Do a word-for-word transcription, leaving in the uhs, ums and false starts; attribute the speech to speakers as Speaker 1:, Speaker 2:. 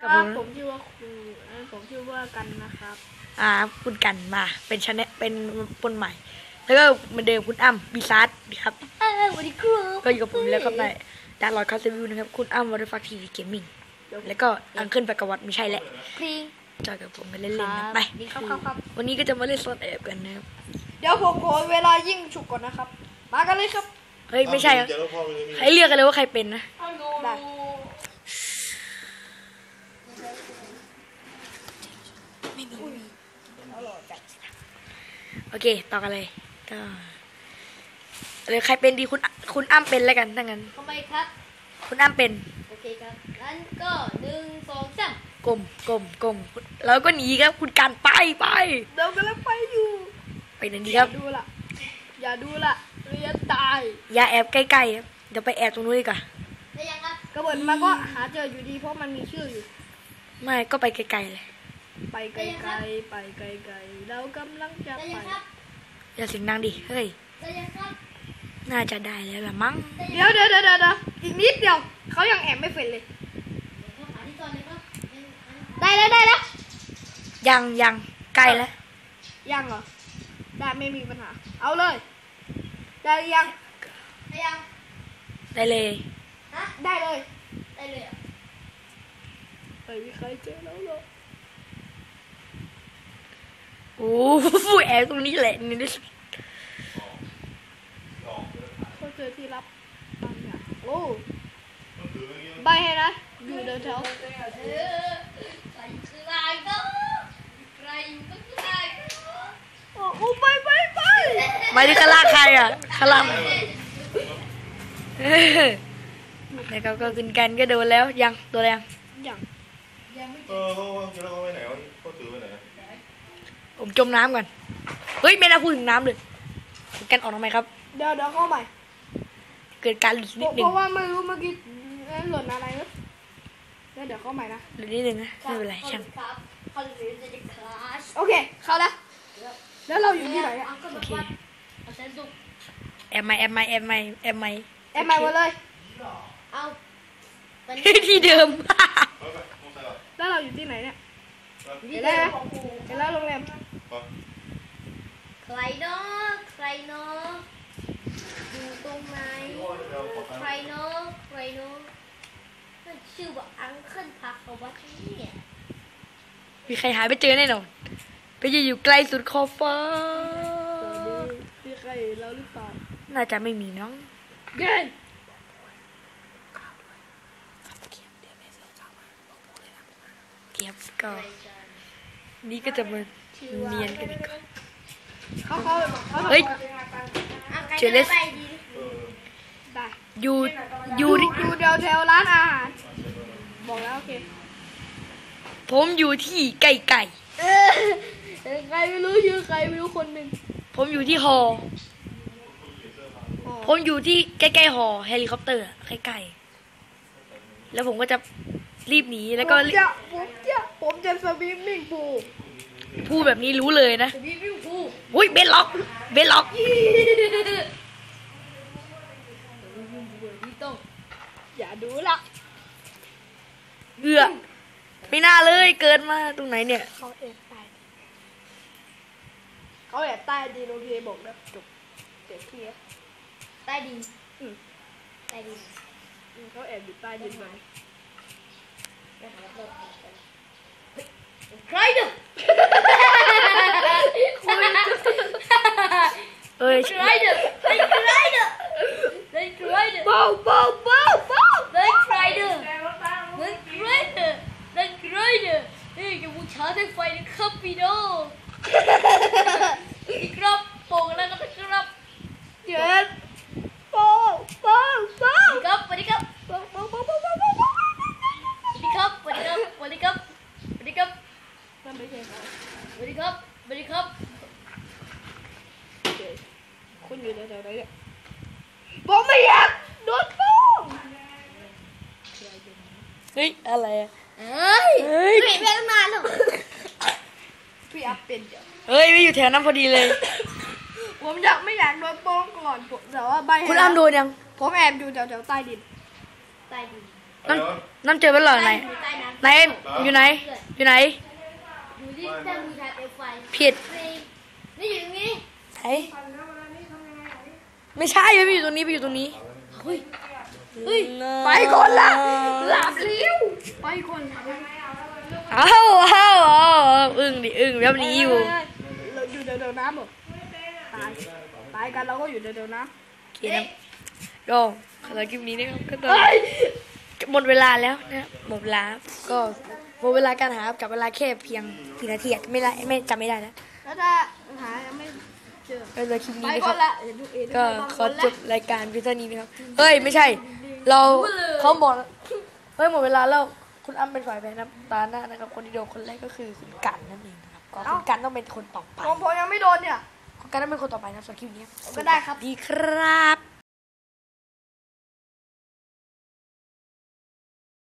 Speaker 1: ครับผมชื่อว่าครูผมชื่อว่ากันนะครับ
Speaker 2: อ่าคุณกันมาเป็นชาแนลเป็นคนใหม่แล้วก็เหมือนเดิมคุณอ้ำบีซาร์ดครับ
Speaker 1: สวัสดีครู
Speaker 2: ก็อยู่กับผมแล้วครับในดาร์ลอดคาสเซวิวนะครับคุณอ้ำวอเตอร์ฟักทีวีเกมมิ่งแล้วก็อังเคิลไปกวัดไม่ใช่แหละจอยกับผมไปเล่นๆนะไปวันนี้ก็จะมาเล่นโซนแอบกันนะครับ
Speaker 1: เดี๋ยวผมขอเวลายิ่งฉุกก่อนนะครับมากันเลยครับ
Speaker 2: เฮ้ยไม่ใช่ให้เลือกกันเลยว่าใครเป็นนะ
Speaker 1: ได้
Speaker 2: ไม่มีโอเคต่อกันเลยก็เลยใครเป็นดีคุณคุณอ้ำเป็นแล้วกันถ้างั้น
Speaker 3: ทำไมครับ
Speaker 2: คุณอ้ำเป็น
Speaker 3: โอเคครับงั้นก็หนึ่งสองสาม
Speaker 2: กลมกลมกลมแล้วก็หนีครับคุณการไปไป
Speaker 1: เดี๋ยวกันแล้วไปอยู่
Speaker 2: ไปไหนดีครับ
Speaker 1: อย่าดูละอย่าดูละเรียนตาย
Speaker 2: อย่าแอบใกล้ๆครับเดี๋ยวไปแอบตรงนู้นดีกว่า
Speaker 3: ได้ยังครับ
Speaker 1: กระเบิดมาก็หาเจออยู่ดีเพราะมันมีชื่ออยู่
Speaker 2: ไม่ก็ไปไกลๆเลย
Speaker 1: ไปไกลๆไปไกลๆเรากำลังจะไป
Speaker 2: อย่าเสียงดังดิเฮ้ยน่าจะได้แล้วล่ะมั้ง
Speaker 1: เดี๋ยวเดี๋ยวเดี๋ยวเดี๋ยวอีกนิดเดียวเขายังแอบไม่เสร็จเลยได้แล้วได้แล้ว
Speaker 2: ยังยังใกล้แล้ว
Speaker 1: ยังเหรอได้ไม่มีปัญหาเอาเลยได้ยังได้ยัง
Speaker 2: ได้เลย
Speaker 1: ฮะได้เลย
Speaker 3: ได้เลย
Speaker 1: ไม่มีใครเจอแล้วหรอ
Speaker 2: โอ้ฟูแอบตรงนี้แหละนี่ดิ
Speaker 1: เขาเจอที่รับบางอย่างโอ้ใบให้นะอยู่เดินแถว
Speaker 3: ใครคือไรก็ใครอยู่ก็คือไร
Speaker 1: ก็โอ้ไปไปไป
Speaker 2: ไม่ได้คลาใครอ่ะคลาแล้วก็ก็ขึ้นกันก็โดนแล้วยังตัวแรง
Speaker 1: ยัง
Speaker 3: ยังไม่
Speaker 4: เออเขาเขาเขาไปไหนวะเขาถือไปไหน
Speaker 2: ผมจมน้ำก่อนเฮ้ยไม่น่าพูดถึงน้ำเลยกันออกทำไมครับ
Speaker 1: เดี๋ยวเดี๋ยวเข้าใหม่
Speaker 2: เกิดการหลุดนิดนึง
Speaker 1: เพราะว่าไม่รู้เมื่อกี้หล่นอะไรนะเดี๋ยวเดี๋ยวเข้าใหม่นะ
Speaker 2: หลุดนิดนึงนะไม่เป็นไรช่าง
Speaker 1: โอเคเข้าแล้วแล้วเราอยู่ที่ไหนอ่ะ
Speaker 2: โอเคแอบไม่แอบไม่แอบไม่แอบไม่
Speaker 1: แอบไม่หมดเลย
Speaker 3: เอา
Speaker 2: ที่เดิม
Speaker 1: แล้วเราอยู่ที่ไหนเนี่ยเห็นแล้วเห็นแล้วโรงแรม
Speaker 3: ใครเนาะใครเนาะอยู่ตรงไหนใครเนาะใครเนาะชื่อว่าอังเคิลพาเขาวัดเนี่ย
Speaker 2: มีใครหายไปเจอแน่นอนไปยืนอยู่ไกลสุดขอบฟ้า
Speaker 1: มีใครเราหรือเปล่า
Speaker 2: น่าจะไม่มีน้อง
Speaker 1: เก่ง
Speaker 2: เก็บก็นี่ก็จะมาเนียนกันดีกว่า
Speaker 1: เขาเขา
Speaker 2: เฮ้ยเจเลส
Speaker 1: ได้
Speaker 2: อยู่อยู่
Speaker 1: อยู่แถวแถวร้านอาหารบอกแล้วโอเค
Speaker 2: ผมอยู่ที่ไก่ไก่
Speaker 1: ใครไม่รู้ชื่อใครไม่รู้คนหนึ่ง
Speaker 2: ผมอยู่ที่หอผมอยู่ที่ใกล้ๆหอเฮลิคอปเตอร์ใกล้ๆแล้วผมก็จะรีบหนีแล้วก็
Speaker 1: ผมจะผมจะผมจะสวิมมิ่งพูล
Speaker 2: พูดแบบนี้รู้เลยนะอุ้ยเบนล็อกเบนล็อก
Speaker 1: อย่าดูละ
Speaker 2: เบื่อไม่น่าเลยเกิดมาตรงไหนเนี่ย
Speaker 1: เขาแอบใต้เขาแอบใต้ดินโอเคบอกแล้วจบเจ็บเคลียร์
Speaker 3: ใต้ดิน
Speaker 1: ใต้ดินเขาแอบอยู่ใต้ดินไหม
Speaker 3: ใครเนี่ย
Speaker 2: เอ้ย
Speaker 3: ใครเนี่ยใครเนี่ยใครเนี่ย
Speaker 1: เบาเบาเบาเบา
Speaker 3: ใครเนี่ยใครเนี่ยใครเนี่ยเฮ้ยจะบูชาด้วยไฟนะครับพี่น้องอีกรอบโป่งแล้วนะครับ
Speaker 1: เจ็ดเบาเบาเบา
Speaker 3: ครับสวัสดีครับ
Speaker 1: เบาเบาเบาเบาเบาเบา
Speaker 3: สวัสดีครับสวัสดีครับสวัสดีครับสวัสดีครับ
Speaker 1: นั่นไม่ใช่เขา
Speaker 3: สวัสดีครับสวัสดีครับ
Speaker 1: คุณอยู่แถวไหนเนี่ยผมไม่อยากโดนฟ้อง
Speaker 2: เฮ้ยอะไรอ่ะ
Speaker 3: เอ้ยเฮ้ยไม่เป็นนานหรอก
Speaker 1: พี่อัพเป็นเดี๋ยว
Speaker 2: เฮ้ยไม่อยู่แถวนั้นพอดีเลย
Speaker 1: ผมอยากไม่อยากโดนฟ้องก่อนแต่ว่าใบ
Speaker 2: คุณอ้ำโดนยัง
Speaker 1: ผมแอบอยู่แถวแถวใต้ดิน
Speaker 3: ใต้ดิน
Speaker 2: น้ำน้ำเจอไปเหรอไหน
Speaker 3: อยู่ใต้น้ำ
Speaker 2: ไหนอยู่ไหน อยู่ไหน
Speaker 3: อยู่ที่ใต้มีทางเอฟไฟ
Speaker 2: ผิด
Speaker 3: นี่อยู่ตรงนี้
Speaker 2: ไหนไม่ใช่ไม่อยู่ตรงนี้ไปอยู่ตรงนี้
Speaker 3: เฮ้ยเฮ้ย
Speaker 2: ไปก่อนละ
Speaker 3: หลับเร็ว
Speaker 1: ไปคน
Speaker 2: อ้าวอ้าวอ้าวอึ้งดิอึ้งแบบนี้อยู่
Speaker 1: เราอยู่เดี๋ยวๆน้ำหมดตายตายกันเราก็อยู่เดี๋ยวๆน้
Speaker 2: โอเคนะก็สำหรับคลิปนี้นะครับก็ตอนหมดเวลาแล้วนะหมดเวลาก็หมดเวลาการหากับเวลาแค่เพียงกี่นาทีอะไม่ได้ไม่จำไม่ได้แล้ว
Speaker 1: ำแล้วถ้าหายังไม่เจอ
Speaker 2: ก็เลยคลิป
Speaker 1: ไป
Speaker 2: นี้นะ
Speaker 1: ก่
Speaker 2: ค
Speaker 1: อ
Speaker 2: รั
Speaker 1: น
Speaker 2: บ
Speaker 1: ละเดี๋ยวดูเอง
Speaker 2: ก็ขอจบรายการเพียงเท่านี้นะครับเฮ้ยไม่ใช่ เราเขาบอกเฮ้ยหมดเวลาแล้วคุณอ้ำเป็นฝ่ายแพ้นะตาหน้านะครับคนที่โดนคนแรกก็คือคุณกันนั่นเองนะครับก็คุณกันต้องเป็นคนต่อไป
Speaker 1: ผมผมยังไม่โดนเนี่ย
Speaker 2: คุณกันต้องเป็นคนต่อไปนะสำหรับคลิปนี้
Speaker 1: ก็ได้ครับ
Speaker 2: ดีครับ